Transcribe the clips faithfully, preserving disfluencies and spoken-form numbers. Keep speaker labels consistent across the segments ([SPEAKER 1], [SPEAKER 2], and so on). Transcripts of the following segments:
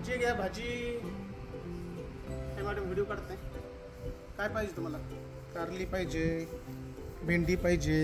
[SPEAKER 1] भाजी घ्या भाजी. हे मॅडम व्हिडिओ काढते. काय पाहिजे तुम्हाला? कारली पाहिजे, भेंडी पाहिजे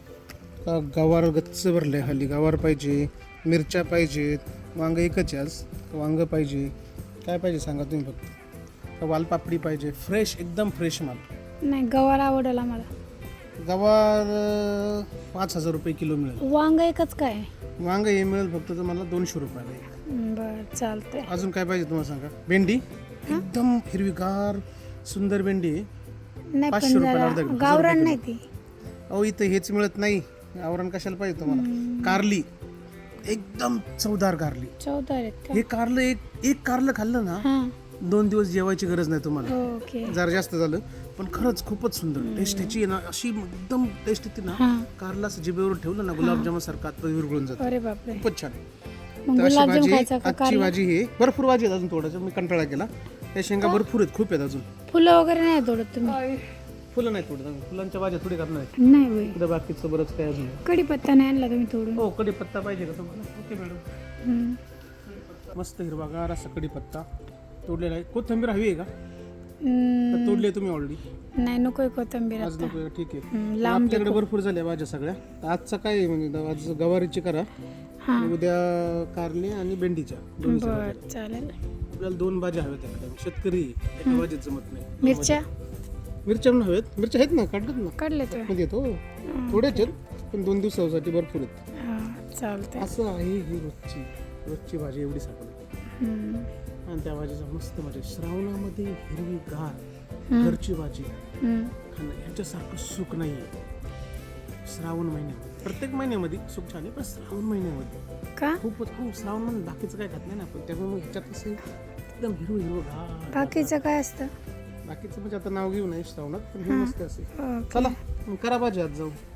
[SPEAKER 1] का गवार गच्च भरले हल्ली, गवार पाहिजे, मिरच्या पाहिजेत, वांग एकच आहे आज, वांग पाहिजे. काय पाहिजे सांगा तुम्ही फक्त. वालपापडी पाहिजे, फ्रेश एकदम फ्रेश माल.
[SPEAKER 2] नाही गवार आवडेल आम्हाला.
[SPEAKER 1] गवार अं, पाच हजार रुपये किलो मिळेल.
[SPEAKER 2] वांग एकच काय?
[SPEAKER 1] वांग हे मिळेल फक्त तुम्हाला दोनशे रुपयाला एक.
[SPEAKER 2] बर चालतंय.
[SPEAKER 1] अजून काय पाहिजे तुम्हाला सांगा? भेंडी एकदम हिरवीगार सुंदर भेंडी आहे.
[SPEAKER 2] नाही
[SPEAKER 1] पाचशे
[SPEAKER 2] पण
[SPEAKER 1] रुपयाला
[SPEAKER 2] जरा
[SPEAKER 1] अर्धा किलो.
[SPEAKER 2] गावरान नाही ती.
[SPEAKER 1] अहो इथं हेच मिळत नाही. आवरण कशाला पाहिजे तुम्हाला? कारली एकदम चवदार कारली.
[SPEAKER 2] चौदा आहेत का?
[SPEAKER 1] हे कारलं एक एक कारलं खाल्लं ना
[SPEAKER 2] हा
[SPEAKER 1] दोन दिवस जेवायची गरज नाही तुम्हाला.
[SPEAKER 2] ओके.
[SPEAKER 1] जरा जास्त झालं पण खरंच खूपच सुंदर टेस्ट याची आहे ना, अशी एकदम टेस्ट येते ना.
[SPEAKER 2] हा
[SPEAKER 1] कारला असं जिभेवर ठेवलं ना गुलाबजामुन सारखं आत विरघळून जातं.
[SPEAKER 2] अरे बापरे.
[SPEAKER 1] खूपच छान.
[SPEAKER 2] मग
[SPEAKER 1] तर अशी
[SPEAKER 2] गुलाबजाम
[SPEAKER 1] भाजी
[SPEAKER 2] खायचा का
[SPEAKER 1] आजची
[SPEAKER 2] कारला?
[SPEAKER 1] भाजी हे भरपूर भाजी आहेत अजून. थोडंसं मी कंटाळा केला. त्या शेंगा भरपूर आहेत, खूप आहेत अजून.
[SPEAKER 2] फुलं वगैरे नाही तोडत तुम्ही?
[SPEAKER 1] फुलं नाही थोडं फुलांच्या भाज्या थोडी करणार आहे.
[SPEAKER 2] नाही होय.
[SPEAKER 1] उद्या बाकीचं बरंच काय अजून आहे.
[SPEAKER 2] कढीपत्ता नाही आणला तुम्ही तोडून?
[SPEAKER 1] हो कढीपत्ता पाहिजे का तुम्हाला? Okay madam.
[SPEAKER 2] हम्म.
[SPEAKER 1] मस्त हिरवागार असा कढीपत्ता तोडलेला आहे. कोथिंबीर हवी आहे का?
[SPEAKER 2] हम्म,
[SPEAKER 1] तोडली आहे तुम्ही ऑलरेडी?
[SPEAKER 2] नाही नकोय कोथिंबीर
[SPEAKER 1] आज
[SPEAKER 2] आता.
[SPEAKER 1] नको आहे का? ठीक आहे.
[SPEAKER 2] हम्म, लांब
[SPEAKER 1] आपल्याकडे भरपूर झाल्या भाज्या सगळ्या. आजचा काय आहे म्हणजे आज गवारीची करा,
[SPEAKER 2] हा
[SPEAKER 1] आणि उद्या कारली आणि भेंडीच्या दोन्ही
[SPEAKER 2] बर
[SPEAKER 1] भाज्या.
[SPEAKER 2] चालेल.
[SPEAKER 1] आपल्याला दोन भाज्या हव्यात एकदम. शेतकरी एका भाजीत जमत नाही.
[SPEAKER 2] मिरच्या
[SPEAKER 1] मिरच्या पण हव्यात. मिरच्या आहेत ना, काढतात ना
[SPEAKER 2] काढले तर
[SPEAKER 1] मध्ये येतो. थोड्याच आहेत पण दोन दिवसासाठी भरपूर आहेत.
[SPEAKER 2] हा चालतंय.
[SPEAKER 1] असं आहे ही रोजची रोजची भाजी एवढी सापडते.
[SPEAKER 2] हम्म,
[SPEAKER 1] आणि त्या भाजीचा मस्त मजा. श्रावणामध्ये हिरवी गार
[SPEAKER 2] हम्म,
[SPEAKER 1] घरची भाजी
[SPEAKER 2] हम्म.
[SPEAKER 1] खाणं ह्याच्यासारखं सुख नाही आहे. श्रावण महिन्यामध्ये प्रत्येक महिन्यामध्ये सुख छान आहे पण श्रावण महिन्यामध्ये
[SPEAKER 2] का?
[SPEAKER 1] खूपच. खूप श्रावण मध्ये बाकीचं काय खात नाही ना आपण, त्यामुळे मग ह्याच्यात कसं एकदम हिरवं हिरवं गार.
[SPEAKER 2] बाकीचं काय असतं?
[SPEAKER 1] बाकीचं म्हणजे आता नाव घेऊ नये श्रावणात, पण हे
[SPEAKER 2] हा.
[SPEAKER 1] मस्त असेल.
[SPEAKER 2] ओके.
[SPEAKER 1] चला मग करा भाजी आज जाऊ.